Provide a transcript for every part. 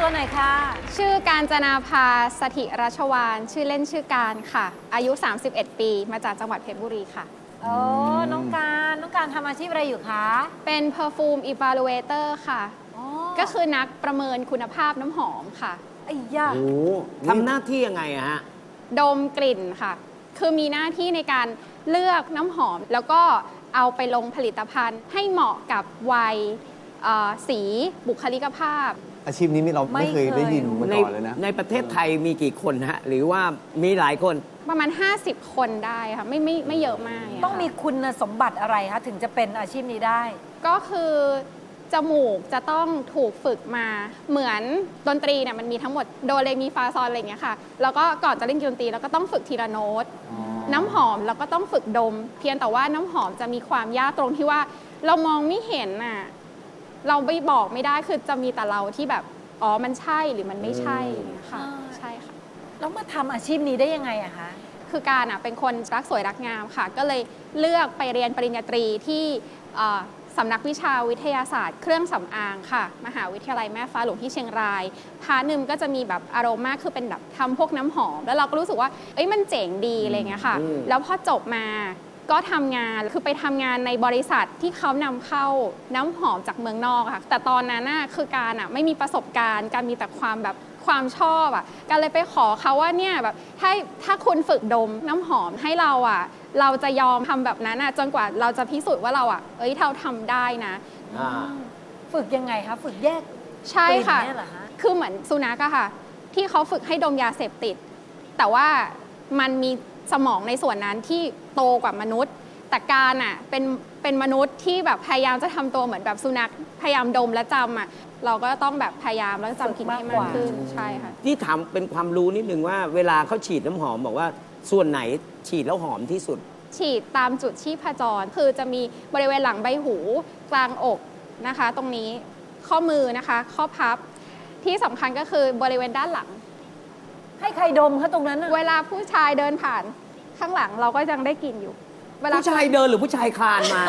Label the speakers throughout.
Speaker 1: ตัวหน่อยค่ะ
Speaker 2: ชื่อการจนาภาสถิรัชวานชื่อเล่นชื่อการค่ะอายุ 31 ปีมาจากจังหวัดเพชรบุรีค่ะ
Speaker 1: โอ้น้องการทำอาชีพอะไรอยู่คะ
Speaker 2: เป็น Perfume Evaluator ค่ะก็คือนักประเมินคุณภาพน้ำหอมค่ะ
Speaker 1: ไอ้ยา
Speaker 3: โอ้ทำหน้าที่ยังไงอะฮะ
Speaker 2: ดมกลิ่นค่ะคือมีหน้าที่ในการเลือกน้ำหอมแล้วก็เอาไปลงผลิตภัณฑ์ให้เหมาะกับวัยสีบุคลิกภาพ
Speaker 4: อาชีพนี้เราไม่เคยได้ยินมาก่อนเลยนะ
Speaker 3: ในประเทศไทยมีกี่คนฮะหรือว่ามีหลายคน
Speaker 2: ประมาณ50 คนได้ค่ะไม่เยอะมาก
Speaker 1: ต้องมีคุณสมบัติอะไรคะถึงจะเป็นอาชีพนี้ได้
Speaker 2: ก็คือจมูกจะต้องถูกฝึกมาเหมือนดนตรีเนี่ยมันมีทั้งหมดโดเรมีฟาซอลอะไรอย่างเงี้ยค่ะแล้วก็ก่อนจะเล่นดนตรีแล้วก็ต้องฝึกทีละโน้ตน้ำหอมแล้วก็ต้องฝึกดมเพียงแต่ว่าน้ำหอมจะมีความยากตรงที่ว่าเรามองไม่เห็นน่ะเราไม่บอกไม่ได้คือจะมีแต่เราที่แบบอ๋อมันใช่หรือมันไม่ใช่อย่างเงี้ยค่ะใช่ค่ะ
Speaker 1: แล้วมาทำอาชีพนี้ได้ยังไงอะคะ
Speaker 2: คือการเป็นคนรักสวยรักงามค่ะก็เลยเลือกไปเรียนปริญญาตรีที่สำนักวิชาวิทยาศาสตร์เครื่องสำอางค่ะมหาวิทยาลัยแม่ฟ้าหลวงที่เชียงรายพาร์ทนึงก็จะมีแบบอารมณ์คือเป็นแบบทำพวกน้ำหอมแล้วเราก็รู้สึกว่าเอ้ยมันเจ๋งดีอะไรเงี้ยค่ะแล้วพอจบมาก็ทำงานคือไปทำงานในบริษัทที่เขานำเข้าน้ำหอมจากเมืองนอกค่ะแต่ตอนนั้นคือการไม่มีประสบการณ์การมีแต่ความชอบการเลยไปขอเขาว่าเนี่ยแบบถ้าคุณฝึกดมน้ำหอมให้เราเราจะยอมทำแบบนั้นจนกว่าเราจะพิสูจน์ว่าเราเราทำได้นะ
Speaker 1: ฝึกยังไงคะฝึกแยก
Speaker 2: ใช่ค่ะคือเหมือนสุนัขค่ะที่เขาฝึกให้ดมยาเสพติดแต่ว่ามันมีสมองในส่วนนั้นที่โตกว่ามนุษย์แต่การเป็นมนุษย์ที่แบบพยายามจะทำตัวเหมือนแบบสุนัขพยายามดมและจำเราก็ต้องแบบพยายามแล้วจำกินให้มากขึ้นใช่ค่ะ
Speaker 3: ที่ถามเป็นความรู้นิดนึงว่าเวลาเขาฉีดน้ำหอมบอกว่าส่วนไหนฉีดแล้วหอมที่สุด
Speaker 2: ฉีดตามจุดชีพจรคือจะมีบริเวณหลังใบหูกลางอกนะคะตรงนี้ข้อมือนะคะข้อพับที่สำคัญก็คือบริเวณด้านหลัง
Speaker 1: ให้ใครดมคะตรงนั้น
Speaker 2: เวลาผู้ชายเดินผ่านข้างหลังเราก็ยังได้กลิ่นอยู่
Speaker 3: ผู้ชายเดินหรือผู้ชายคลานมา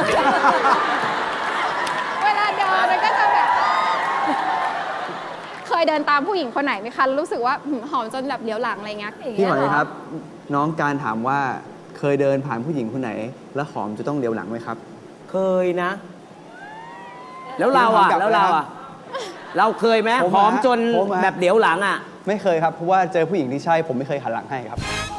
Speaker 2: เวลาเดินมันก็จะแบบเคยเดินตามผู้หญิงคนไหนไหมคะรู้สึกว่าหอมจนแบบเลี้ยวหลังอะไรเงี้ย
Speaker 4: พี่หมายครับน้องการถามว่าเคยเดินผ่านผู้หญิงคนไหนแล้วหอมจะต้องเลี้ยวหลังไหมครับ
Speaker 3: เคยนะแล้วเราเราเคยไหมหอมจนแบบเลี้ยวหลัง
Speaker 4: ไม่เคยครับเพราะว่าเจอผู้หญิงที่ใช่ผมไม่เคยหันหลังให้ครับ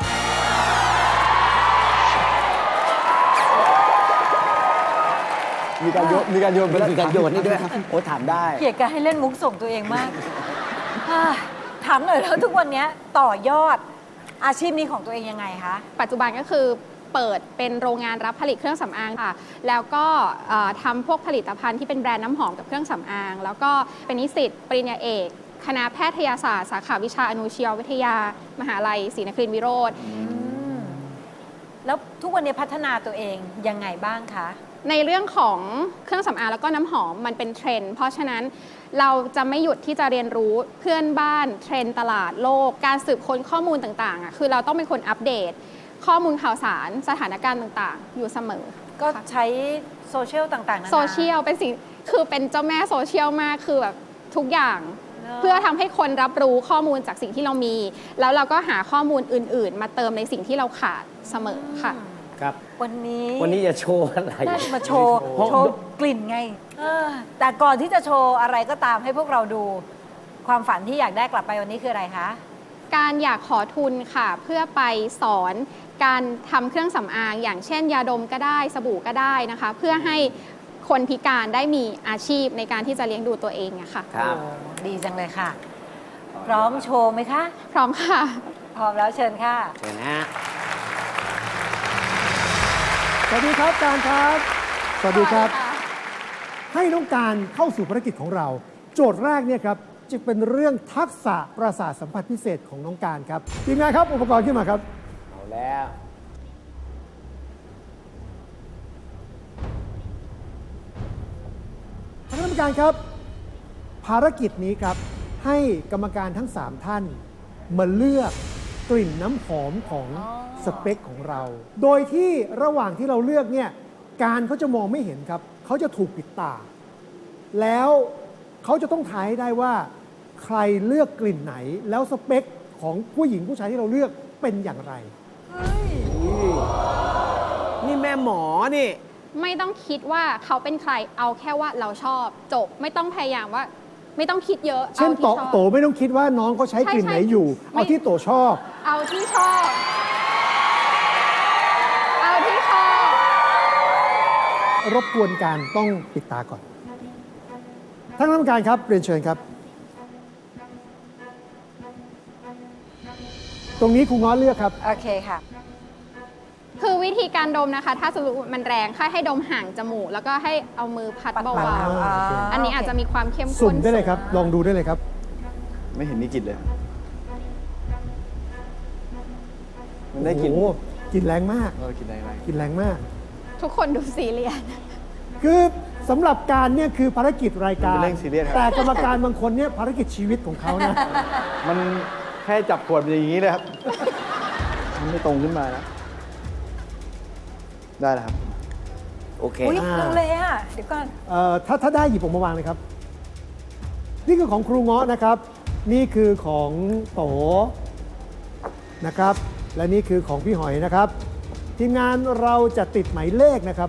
Speaker 4: มีการโยน
Speaker 3: มีการโยนนี่ด้วยโอ้ถามได้
Speaker 1: เกลียดการให้เล่นมุกส่งตัวเองมากถามหน่อยแล้วทุกวันนี้ต่อยอดอาชีพนี้ของตัวเองยังไงคะ
Speaker 2: ปัจจุบันก็คือเปิดเป็นโรงงานรับผลิตเครื่องสำอางค่ะแล้วก็ทำพวกผลิตภัณฑ์ที่เป็นแบรนด์น้ำหอมกับเครื่องสำอางแล้วก็เป็นนิสิตปริญญาเอกคณะแพทยศาสตร์สาขาวิชาอนุชีววิทยามหาลัยศรีนครินทรวิโรธ
Speaker 1: แล้วทุกวันนี้พัฒนาตัวเองยังไงบ้างคะ
Speaker 2: ในเรื่องของเครื่องสำอางแล้วก็น้ำหอมมันเป็นเทรนด์เพราะฉะนั้นเราจะไม่หยุดที่จะเรียนรู้เพื่อนบ้านเทรนด์ตลาดโลกการสืบค้นข้อมูลต่างๆคือเราต้องเป็นคนอัปเดตข้อมูลข่าวสารสถานการณ์ต่างๆอยู่เสมอ
Speaker 1: ก็ใช้โซเชียลต่างๆ
Speaker 2: โซเชียลเป็นสิ่งคือเป็นเจ้าแม่โซเชียลมากคือแบบทุกอย่างเพื่อทำให้คนรับรู้ข้อมูลจากสิ่งที่เรามีแล้วเราก็หาข้อมูลอื่นๆมาเติมในสิ่งที่เราขาดเสมอค่ะ
Speaker 3: ครับ
Speaker 1: วัน
Speaker 3: นี้จะโชว์อะไร
Speaker 1: มาโชว์กลิ่นไงแต่ก่อนที่จะโชว์อะไรก็ตามให้พวกเราดูความฝันที่อยากได้กลับไปวันนี้คืออะไรคะ
Speaker 2: การอยากขอทุนค่ะเพื่อไปสอนการทำเครื่องสำอางอย่างเช่นยาดมก็ได้สบู่ก็ได้นะคะเพื่อให้คนพิการได้มีอาชีพในการที่จะเลี้ยงดูตัวเองอะค่ะ
Speaker 3: ครับ
Speaker 1: ดีจังเลยค่ะพร้อมโชว์ไหมคะ
Speaker 2: พร้อมค่ะ
Speaker 1: พร้อมแล้วเชิญค่ะ
Speaker 3: เชิญนะ
Speaker 5: สวัสดีครับการครับสวัสดีครับให้น้องการเข้าสู่ภารกิจของเราโจทย์แรกเนี่ยครับจะเป็นเรื่องทักษะประสาทสัมผัสพิเศษของน้องการครับทีมงานครับอุปกรณ์ขึ้นมาครับ
Speaker 3: เอาแล้ว
Speaker 5: ท่านกรรมการครับภารกิจนี้ครับให้กรรมการทั้ง3ท่านมาเลือกกลิ่นน้ำหอมของสเปคของเราโดยที่ระหว่างที่เราเลือกเนี่ยการเขาจะมองไม่เห็นครับเขาจะถูกปิดตาแล้วเขาจะต้องทายให้ได้ว่าใครเลือกกลิ่นไหน แล้วสเปคของผู้หญิงผู้ชายที่เราเลือกเป็นอย่างไร
Speaker 3: นี่แม่หมอนี่
Speaker 2: ไม่ต้องคิดว่าเขาเป็นใครเอาแค่ว่าเราชอบจบไม่ต้องพยายามว่า ไม่ต้องคิดเยอะ
Speaker 5: เช่น
Speaker 2: อาที่ชอบ
Speaker 5: โตไม่ต้องคิดว่าน้องเขาใช้กลิ่นไหนอยู่
Speaker 2: ไม่
Speaker 5: เอาที่โตชอบ
Speaker 2: เอาที่ชอบ เอาที่ชอบ
Speaker 5: รบกวนการต้องปิดตาก่อนท่านคณะกรรมการครับเรียนเชิญครับ ตรงนี้ครูง้อเลือกครับ
Speaker 1: โอเคค่ะ
Speaker 2: คือวิธีการดมนะคะ ถ้าสมมติมันแรงให้ดมห่างจมูก แล้วก็ให้เอามือพัดเบา
Speaker 5: ปัด
Speaker 2: ๆอันนี้อาจจะมีความเข้มข้น
Speaker 5: สุ่มได้เลยครับ ลองดูได้เลยครับ
Speaker 4: ไม่เห็นมีกลิ่นเลยมันได้กลิ่น
Speaker 5: โอ้โหกลิ่นแรงมาก
Speaker 4: กลิ่นอะไร
Speaker 5: กลิ่นแรงมาก
Speaker 2: ทุกคนดูซีเรียส
Speaker 5: คือสำหรับการเนี่ยคือภารกิจรายการ
Speaker 4: เป็นเรื่องซีเรียสครับ
Speaker 5: แต่กรรมการบางคนเนี่ยภารกิจชีวิตของเขานะ
Speaker 4: มันแค่จับขวดมันอย่างนี้เลยครับ มันไม่ตรงขึ้นมานะ ได้แล้วครับ
Speaker 3: โอเค
Speaker 1: อุ้ยลังเลอ่ะ เดี๋ยวก่อน
Speaker 5: ถ้าได้หยิบออกมาวางเลยครับ นี่คือของครูเงาะนะครับ นี่คือของโตนะครับ และนี่คือของพี่หอยนะครับ ทีมงานเราจะติดหมายเลขนะครับ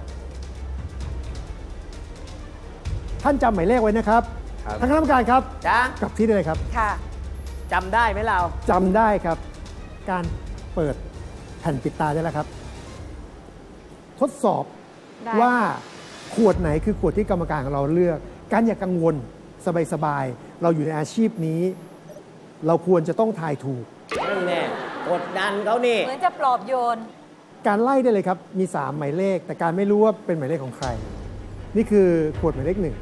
Speaker 5: ท่านจำหมายเลขไว้นะครับ
Speaker 4: ครับ
Speaker 5: ทางคณะกรรมการครับ
Speaker 3: จ้าก
Speaker 5: ลับที่ได้เลยครับ
Speaker 1: ค่ะ
Speaker 3: จำได้ไหมเรา
Speaker 5: จำได้ครับ การเปิดแผ่นปิดตาได้แล้วครับ ทดสอบ
Speaker 2: ได้
Speaker 5: ว่าขวดไหนคือขวดที่กรรมการของเราเลือก การอย่ากังวลสบายๆเราอยู่ในอาชีพนี้ เราควรจะต้องทายถูก
Speaker 3: นั่นแน่กดดันเขานี่
Speaker 1: เหมือนจะปลอบโยน
Speaker 5: การไล่ได้เลยครับ มี 3 หมายเลข แต่การไม่รู้ว่าเป็นหมายเลขของใคร นี่คือขวดหมายเลข 1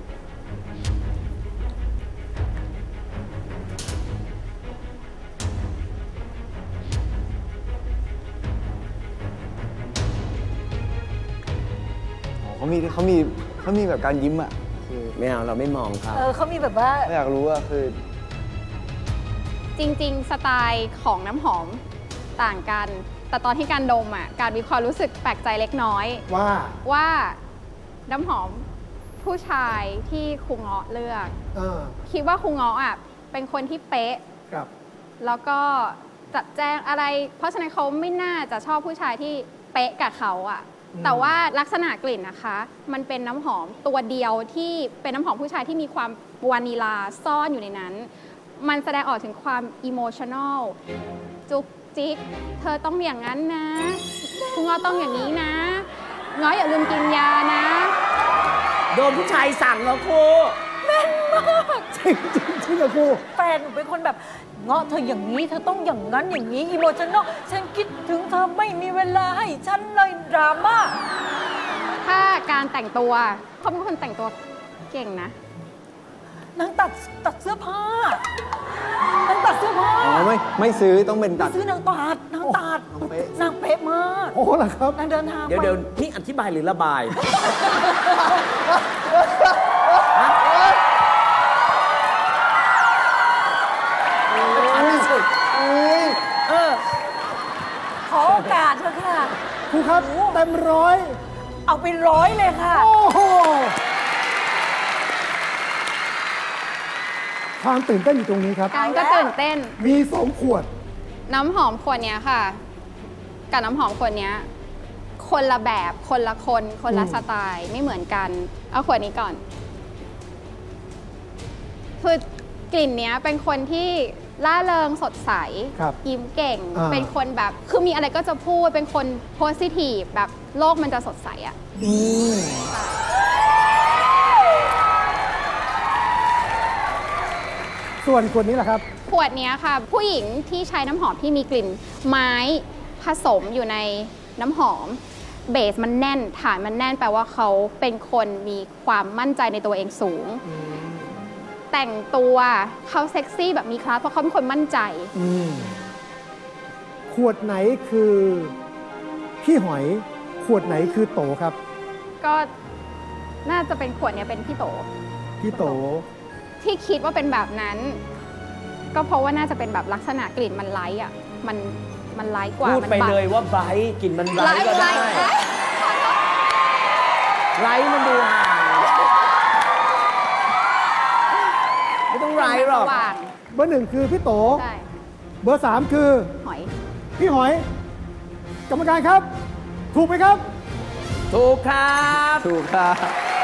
Speaker 4: เขามีแบบการยิ้มอ่ะ คือ
Speaker 3: ไม่เอาเราไม่มองเขา
Speaker 1: เขามีแบบว่า
Speaker 4: ไม่อยากรู้ว่าคือ
Speaker 2: จริง ๆ สไตล์ของน้ำหอมต่างกัน แต่ตอนที่การดมอ่ะ การมีความรู้สึกแปลกใจเล็กน้อย ว่าน้ำหอมผู้ชายที่ครูเงาะเลือก คิดว่าครูเงาะอ่ะเป็นคนที่เป๊ะ
Speaker 5: ครับ
Speaker 2: แล้วก็จัดแจ้งอะไร เพราะฉะนั้นเขาไม่น่าจะชอบผู้ชายที่เป๊ะกับเขาอ่ะ แต่ว่าลักษณะกลิ่นนะคะ มันเป็นน้ำหอมตัวเดียวที่เป็นน้ำหอมผู้ชายที่มีความวานิลาซ่อนอยู่ในนั้น มันแสดงออกถึงความอิโมชัน a ลจุกจิก เธอต้องอย่างนั้นนะคุณง้อต้องอย่างนี้นะง้ออย่าลืมกินยานะ
Speaker 3: โดนผู้ชายสั่งเหรอครู
Speaker 5: จริงจริงจริงกับครู
Speaker 1: แฟนหนูเป็นคนแบบเงาะเธออย่างนี้ เธอต้องอย่างนั้นอย่างนี้อีโมชันนอลฉันคิดถึงเธอไม่มีเวลาให้ฉันเลยดราม่า
Speaker 2: ถ้าการแต่งตัวเขาเป็นคนแต่งตัวเก่งนะ
Speaker 1: นางตัดเสื้อผ้านางตัดเสื้อผ้า
Speaker 4: อ๋อไม่ซื้อต้องเป็นตัด
Speaker 1: ซื้อนางตัดนางตัด
Speaker 4: น้องเป๊ะ
Speaker 1: นางเป๊ะมาก
Speaker 5: โอ้เหรอครับ
Speaker 1: นางเดินทาง
Speaker 3: เดี๋ยว
Speaker 1: ไป
Speaker 3: เดี๋ยวนี่อธิบายหรือระบาย
Speaker 1: ขอโอกาสเถอะค่ะ
Speaker 5: ครูครับเต็มร้อย
Speaker 1: เอาไป100เลยค่ะ
Speaker 5: โอ้โห ความตื่นเต้นอยู่ตรงนี้ครับ
Speaker 2: การก็ตื่นเต้น
Speaker 5: มี2 ขวด
Speaker 2: น้ำหอมขวดเนี้ยค่ะ กับน้ำหอมขวดเนี้ย คนละแบบคนละคนคนละสไตล์ไม่เหมือนกัน เอาขวดนี้ก่อน คือกลิ่นเนี้ยเป็นคนที่ล่าเริงสดใส
Speaker 5: ครับ
Speaker 2: ยิ้มเก่ง
Speaker 5: เป็น
Speaker 2: คนแบบคือมีอะไรก็จะพูดเป็นคนโพสิทีฟแบบโลกมันจะสดใสอะ
Speaker 5: ส่วนขวดนี้แหละครับ
Speaker 2: ขวดเนี้ยค่ะ ผู้หญิงที่ใช้น้ำหอมที่มีกลิ่นไม้ผสมอยู่ในน้ำหอม เบสมันแน่นฐานมันแน่นแปลว่าเขาเป็นคนมีความมั่นใจในตัวเองสูง แต่งตัวเขาเซ็กซี่แบบมีคลาสเพราะเขาเป็นคนมั่นใจ
Speaker 5: ขวดไหนคือพี่หอย ขวดไหนคือโตครับ
Speaker 2: ก็น่าจะเป็นขวดเนี้ยเป็นพี่โต
Speaker 5: พี่โต
Speaker 2: ที่คิดว่าเป็นแบบนั้น ก็เพราะว่าน่าจะเป็นแบบลักษณะกลิ่นมันไลท์อ่ะมันไลท์กว่า
Speaker 3: พูดไป
Speaker 2: มัน
Speaker 3: เลยว่าไบรท์กลิ่นมันไบรท์ก็ได้ ไบรท์มันดูห่าง ไม่ต้องไบรท์หรอก
Speaker 2: สว่าง
Speaker 5: เบอร์หนึ่งคือพี่โต
Speaker 2: ใช่
Speaker 5: เบอร์สามคือ
Speaker 2: หอย
Speaker 5: พี่หอย กรรมการครับ ถูกไหมครับ
Speaker 3: ถูกครับ
Speaker 4: ถูกครับ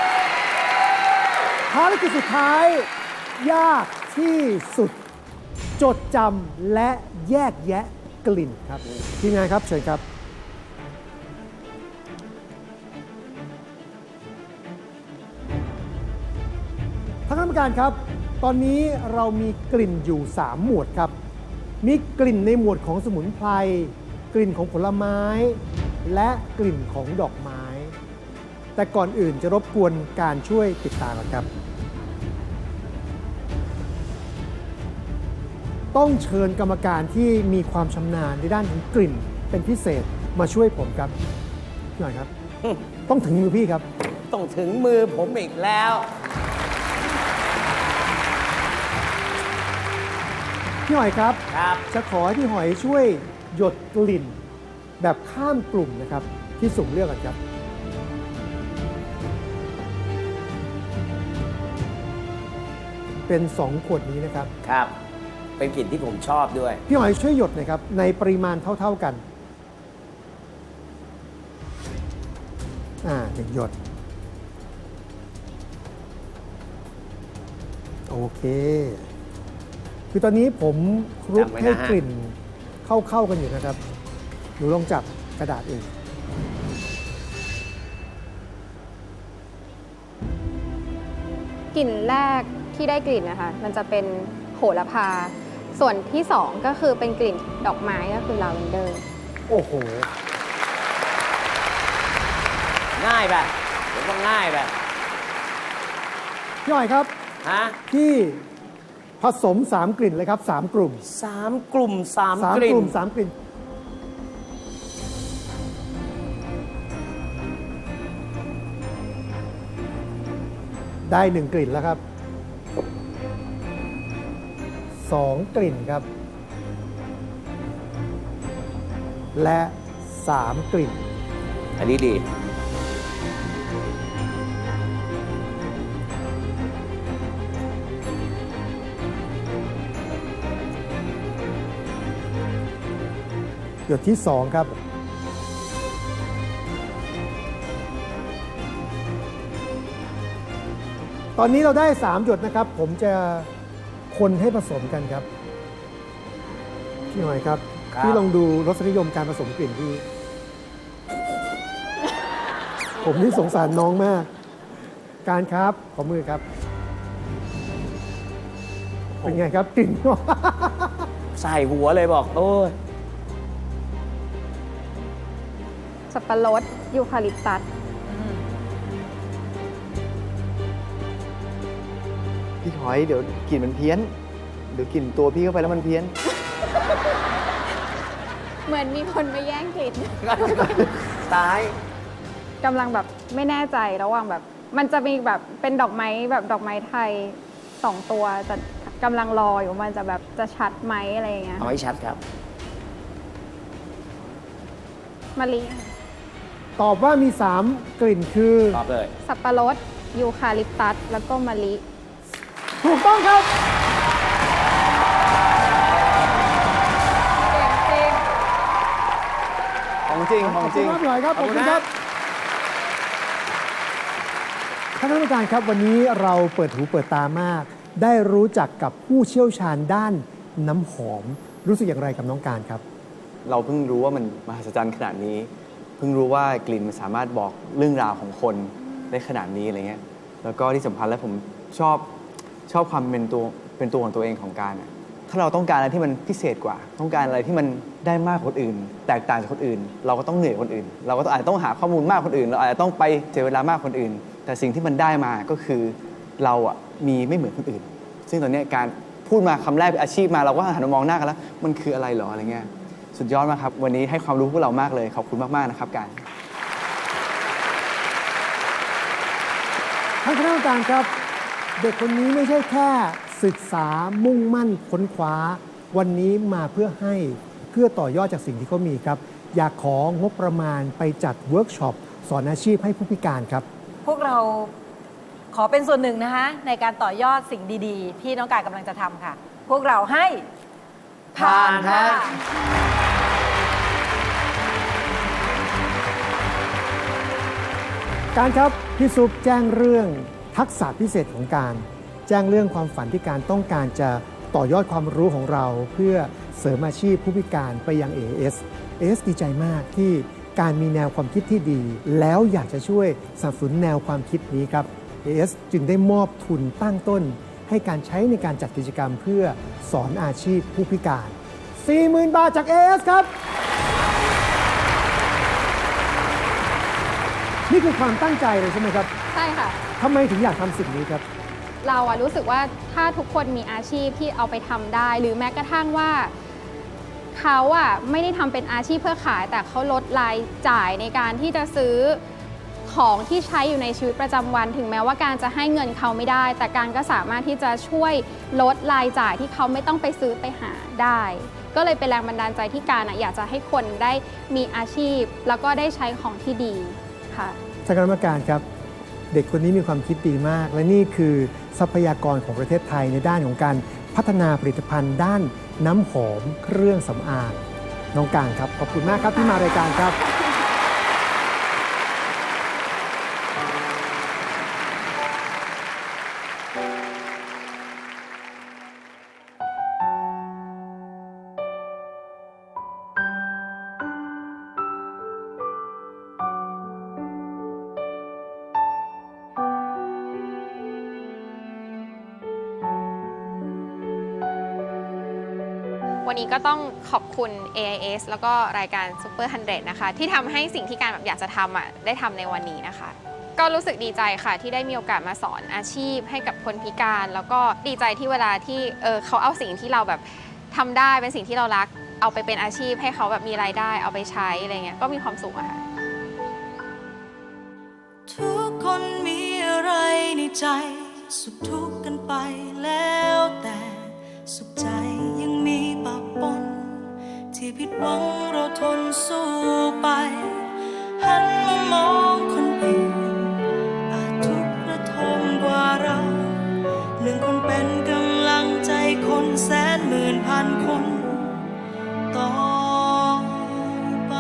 Speaker 5: ภารกิจสุดท้าย ยากที่สุด จดจำและแยกแยะกลิ่นครับทีมงานครับเชิญครับ ท่านคณะกรรมการครับ ตอนนี้เรามีกลิ่นอยู่ 3 หมวดครับ มีกลิ่นในหมวดของสมุนไพร กลิ่นของผลไม้ และกลิ่นของดอกไม้ แต่ก่อนอื่นจะรบกวนการช่วยติดตามกันครับ ต้องเชิญกรรมการที่มีความชำนาญในด้านของกลิ่นเป็นพิเศษมาช่วยผมครับพี่หน่อยครับ ต้องถึงมือพี่ครับ
Speaker 3: ต้องถึงมือผมอีกแล้ว
Speaker 5: พี่หอยครับ
Speaker 3: ครับ
Speaker 5: จะขอให้พี่หอยช่วยหยดกลิ่นแบบข้ามกลุ่มนะครับ ที่สุ่มเลือกกันครับ เป็น 2 ขวดนี้นะครับ
Speaker 3: ครับ เป็นกลิ่นที่ผมชอบด้วย
Speaker 5: พี่หอยช่วยหยดหน่อยครับ ในปริมาณเท่า ๆกันหนึ่งหยด โอเค คือตอนนี้ผมคลุก
Speaker 3: จำไว้นะ
Speaker 5: ให้
Speaker 3: ฮะ
Speaker 5: กลิ่นเข้ากันอยู่นะครับ หนูลองจับกระดาษเอง
Speaker 2: กลิ่นแรกที่ได้กลิ่นนะคะ มันจะเป็นโหระพา ส่วนที่ 2 ก็คือเป็นกลิ่นดอกไม้ก็คือลาเวนเดอร์
Speaker 5: โอ้โห
Speaker 3: ง่ายแบบผมว่าง่ายแบบ
Speaker 5: พี่หอยครับ
Speaker 3: ฮะ
Speaker 5: ที่ผสม 3 กลิ่นเลยครับ 3 กลุ่ม
Speaker 3: 3 กลุ่ม 3
Speaker 5: 3
Speaker 3: กลิ่
Speaker 5: ก
Speaker 3: น
Speaker 5: ลุ่ม 3 กลิ่น ได้ 1 กลิ่นแล้วครับ 2 กลิ่นครับ และ 3 กลิ่น
Speaker 3: อันนี้ดี
Speaker 5: หยดที่ 2 ครับ ตอนนี้เราได้ 3 หยดนะครับ ผมจะคนให้ผสมกันครับ พี่หน่อยครับ
Speaker 3: ครับ
Speaker 5: พี่ลองดูรสนิยมการผสมกลิ่นพี่ ผมนี่สงสารน้องมาก การครับ ขอมือครับ เป็นไงครับกลิ่น
Speaker 3: ใส่หัวเลยบอก โอ้ย
Speaker 2: สับปะรดยูคาลิปตัส
Speaker 4: พี่หอยเดี๋ยวกลิ่นมันเพี้ยน เดี๋ยวกลิ่นตัวพี่เข้าไปแล้วมันเพี้ยน
Speaker 2: เหมือนมีคนมาแย่งกลิ่น
Speaker 3: ตาย
Speaker 2: กำลังแบบไม่แน่ใจระหว่างแบบ มันจะมีแบบเป็นดอกไม้แบบดอกไม้ไทย 2 ตัวแต่กำลังรออยู่มันจะแบบจะชัดไหมอะไรอย่างเงี้ย
Speaker 3: เอาให้ชัดครับ
Speaker 2: มะลิ
Speaker 5: ตอบว่ามี 3 กลิ่นคือ
Speaker 3: ตอบเลย
Speaker 2: สับปะรดยูคาลิปตัสแล้วก็มะลิ
Speaker 5: ถูกต้องครับ
Speaker 4: ของจริง ข
Speaker 5: ข
Speaker 4: อ
Speaker 5: อง บ
Speaker 4: จ
Speaker 5: คุ
Speaker 4: ริ
Speaker 5: ณ
Speaker 4: ง
Speaker 5: มากพี่หอยครับ ข
Speaker 3: ข
Speaker 5: อ
Speaker 3: อ
Speaker 5: บบ
Speaker 3: คุ
Speaker 5: คุณ
Speaker 3: ณ
Speaker 5: ค
Speaker 3: ครั
Speaker 5: รับ
Speaker 3: บ
Speaker 5: ท่านคณะกรรมการครับวันนี้เราเปิดหูเปิดตามาก ได้รู้จักกับผู้เชี่ยวชาญด้านน้ำหอม รู้สึกอย่างไรกับน้องการครับ
Speaker 4: เราเพิ่งรู้ว่ามันมหัศจรรย์ขนาดนี้ เพิ่งรู้ว่ากลิ่นมันสามารถบอกเรื่องราวของคนได้ขนาดนี้อะไรเงี้ย แล้วก็ที่สำคัญแล้วผมชอบความเป็นตัวของตัวเองของการอะถ้าเราต้องการอะไรที่มันพิเศษกว่า ต้องการอะไรที่มันได้มากกว่าคนอื่น แตกต่างจากคนอื่น เราก็ต้องเหนื่อยกว่าคนอื่น เราก็อาจจะต้องหาข้อมูลมากกว่าคนอื่น เราอาจจะต้องไปเสียเวลามากกว่าคนอื่น แต่สิ่งที่มันได้มาก็คือเราอะมีไม่เหมือนคนอื่น ซึ่งตอนเนี้ยการพูดมาคำแรกเป็นอาชีพมาเราก็หันมามองหน้ากันแล้วมันคืออะไรหรออะไรเงี้ยสุดยอดมากครับวันนี้ให้ความรู้พวกเรามากเลยขอบคุณมากๆนะครับการ
Speaker 5: ท่านคณะกรรมการครับ เด็กคนนี้ไม่ใช่แค่ศึกษามุ่งมั่นค้นคว้า วันนี้มาเพื่อต่อยอดจากสิ่งที่เขามีครับ อยากของบประมาณไปจัดเวิร์กช็อปสอนอาชีพให้ผู้พิการครับ
Speaker 1: พวกเราขอเป็นส่วนหนึ่งนะคะในการต่อยอดสิ่งดีๆ ที่น้องกายกำลังจะทำค่ะพวกเราให้ผ่านค่ะ
Speaker 5: การครับพี่ซุปแจ้งเรื่องทักษะพิเศษของการแจ้งเรื่องความฝันที่การต้องการจะต่อยอดความรู้ของเราเพื่อเสริมอาชีพผู้พิการไปยัง AS ดีใจมากที่การมีแนวความคิดที่ดี แล้วอยากจะช่วยสนับสนุนแนวความคิดนี้ครับ AS จึงได้มอบทุนตั้งต้นให้การใช้ในการจัดกิจกรรมเพื่อสอนอาชีพผู้พิการ 40,000 บาทจาก AS ครับ นี่คือความตั้งใจเลยใช่ไหมครับ
Speaker 2: ใช่ค่ะ
Speaker 5: ทำไมถึงอยากทำสิ่งนี้ครับ
Speaker 2: เราอะรู้สึกว่าถ้าทุกคนมีอาชีพที่เอาไปทำได้ หรือแม้กระทั่งว่าเขาอะไม่ได้ทำเป็นอาชีพเพื่อขาย แต่เขาลดรายจ่ายในการที่จะซื้อของที่ใช้อยู่ในชีวิตประจำวัน ถึงแม้ว่าการจะให้เงินเขาไม่ได้ แต่การก็สามารถที่จะช่วยลดรายจ่ายที่เขาไม่ต้องไปซื้อไปหาได้ ก็เลยเป็นแรงบันดาลใจที่การอยากจะให้คนได้มีอาชีพ แล้วก็ได้ใช้ของที่ดีค่ะ
Speaker 5: ท่านคณะกรรมการครับ เด็กคนนี้มีความคิดดีมาก และนี่คือทรัพยากรของประเทศไทยในด้านของการพัฒนาผลิตภัณฑ์ด้านน้ำหอมเครื่องสำอางน้องการครับขอบคุณมากครับที่มารายการครับ
Speaker 6: วันนี้ก็ต้องขอบคุณ AIS แล้วก็รายการ Super 100 นะคะ ที่ทำให้สิ่งที่การแบบอยากจะทำได้ทำในวันนี้นะคะ ก็รู้สึกดีใจค่ะที่ได้มีโอกาสมาสอนอาชีพให้กับคนพิการ แล้วก็ดีใจที่เวลาที่เขาเอาสิ่งที่เราแบบทำได้เป็นสิ่งที่เรารัก เอาไปเป็นอาชีพให้เขาแบบมีรายได้เอาไปใช้อะไรเงี้ยก็มีความสุขอะค่ะ
Speaker 7: ทุกคนมีอะไรในใจสุขทุกข์กันไปแล้วแต่สุขใจยังมีปะปนที่ผิดหวังเราทนสู้ไปหันมามองคนอื่นอาจทุกข์ระทมกว่าเราหนึ่งคนเป็นกำลังใจคนแสนหมื่นพันคนต่อไป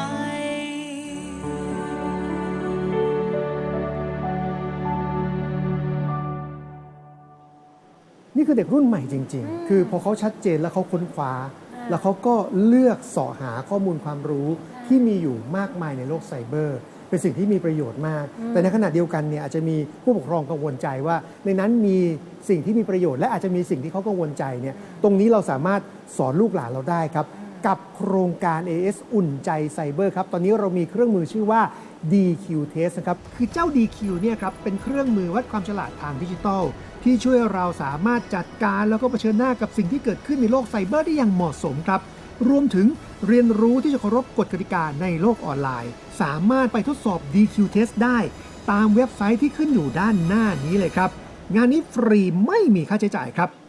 Speaker 5: นี่คือเด็กรุ่นใหม่จริง ๆ คือพอเขาชัดเจนแล้วเขาค้นคว้า แล้วเขาก็เลือกเสาะหาข้อมูลความรู้ที่มีอยู่มากมายในโลกไซเบอร์ เป็นสิ่งที่มีประโยชน์มาก แต่ในขณะเดียวกันเนี่ยอาจจะมีผู้ปกครองกังวลใจว่า ในนั้นมีสิ่งที่มีประโยชน์และอาจจะมีสิ่งที่เขากังวลใจเนี่ยตรงนี้เราสามารถสอนลูกหลานเราได้ครับ กับโครงการ AS อุ่นใจไซเบอร์ครับตอนนี้เรามีเครื่องมือชื่อว่า DQ Test นะครับคือเจ้า DQ เนี่ยครับเป็นเครื่องมือวัดความฉลาดทางดิจิทัลที่ช่วยเราสามารถจัดการแล้วก็เผชิญหน้ากับสิ่งที่เกิดขึ้นในโลกไซเบอร์ได้อย่างเหมาะสมครับรวมถึงเรียนรู้ที่จะเคารพกฎกติกาในโลกออนไลน์สามารถไปทดสอบ DQ Test ได้ตามเว็บไซต์ที่ขึ้นอยู่ด้านหน้านี้เลยครับงานนี้ฟรีไม่มีค่าใช้จ่ายครับ